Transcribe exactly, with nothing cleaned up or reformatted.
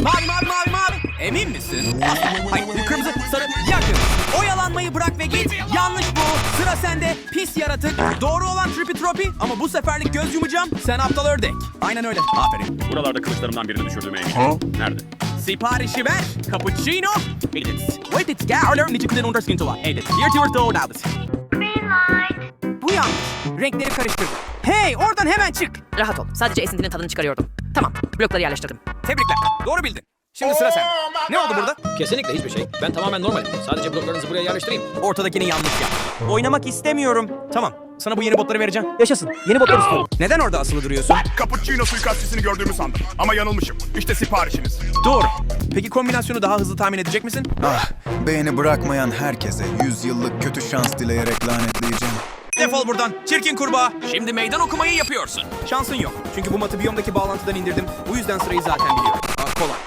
Mavi mavi mavi mavi. Emin misin? Hayır kırmızı sarı yakın. Oyalanmayı bırak ve git. Yanlış bu. Sıra sende pis yaratık. Doğru olan tripi tropi ama bu seferlik göz yumacağım. Sen aptal ördek. Aynen öyle. Aferin. Buralarda kılıçlarımdan birini düşürdüğüme eminim. Nerede? Siparişi ver. Cappuccino. Edit. Wait it gärler nici kılın underskin tuva. Edit. Here to your door dallas. Bu yanlış. Renkleri karıştırdım. Hey oradan hemen çık. Rahat ol. Sadece esintinin tadını çıkarıyordum. Tamam. Blokları yerleştirdim. Tebrikler. Doğru bildin. Şimdi sıra sende. Ne oldu burada? Kesinlikle hiçbir şey. Ben tamamen normalim. Sadece bloklarınızı buraya yerleştireyim. Ortadakini yanlış yap. Oynamak istemiyorum. Tamam. Sana bu yeni botları vereceğim. Yaşasın. Yeni botlar istiyorum. Neden orada asılı duruyorsun? Cappuccino suikastçısını gördüğümü sandım. Ama yanılmışım. İşte siparişiniz. Doğru. Peki kombinasyonu daha hızlı tahmin edecek misin? Ah, beğeni bırakmayan herkese yüz yıllık kötü şans dileyerek lanetleyeceğim. Defol buradan. Çirkin kurbağa. Şimdi meydan okumayı yapıyorsun. Şansın yok. Çünkü bu matı biyomdaki bağlantıdan indirdim. Bu yüzden sırayı zaten biliyorum. Aa, kolay.